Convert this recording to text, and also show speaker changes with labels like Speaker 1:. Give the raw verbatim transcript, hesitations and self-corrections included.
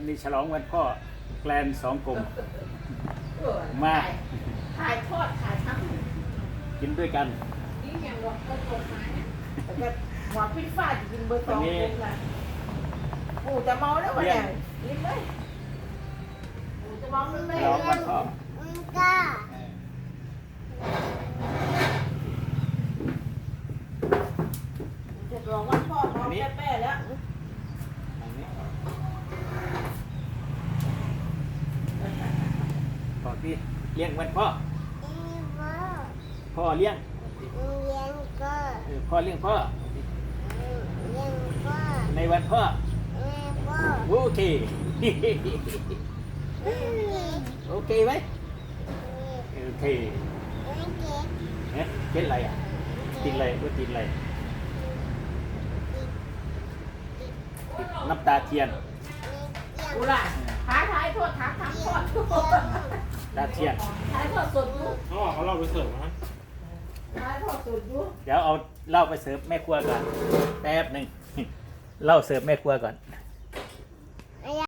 Speaker 1: วันนี้ฉลองวันพ่อแกลนสองกลมมา
Speaker 2: ถ่ายทอดถ่ายทั้ง
Speaker 1: กินด้วยกัน
Speaker 2: นี่ยังหมดก็ตกมาแต่ก็หัวปิ้งฟ้าจะกินเบอร์สองเลยนะปู่จะเมาแล้ววะเนี่ยยิ้มไหมปู่จะเมาแล้วไหม
Speaker 1: ฉลองวันพ่อ
Speaker 3: ก้า
Speaker 2: จะรองวันพ่อเมาแป้ๆแล้ว
Speaker 1: อันนี้พ่อพี่เลี้ยงวันพ่อ
Speaker 3: อีพ่อ
Speaker 1: พ่อเลี้ยง
Speaker 3: เลี้ยงก็
Speaker 1: เออพ่อเลี้ยงพ่อ
Speaker 3: เลี้ยงพ่อ
Speaker 1: ในวันพ่อ
Speaker 3: แม่พ่อ
Speaker 1: โอเค โอเคไหมโอเค
Speaker 3: ไม่เก็บ
Speaker 1: เอ๊ะเก็ดอะไรอ่ะกินอะไรว่ากินอะไรติดน้ำตาเทียน
Speaker 2: กูล่ะถ่ายถ่ายทอดถ่ายทั้งทอด
Speaker 1: ตาเทียน
Speaker 2: ถ่ายทอดสดอยู่
Speaker 4: เขาบอกเขาเราไปเสิร์ฟนะ
Speaker 2: ถ่ายทอดสดอยู่
Speaker 1: เดี๋ยวเอาเหล้าไปเสิร์ฟแม่ครัวก่อนแป๊บหนึ่งเหล้าเสิร์ฟแม่ครัวก่อน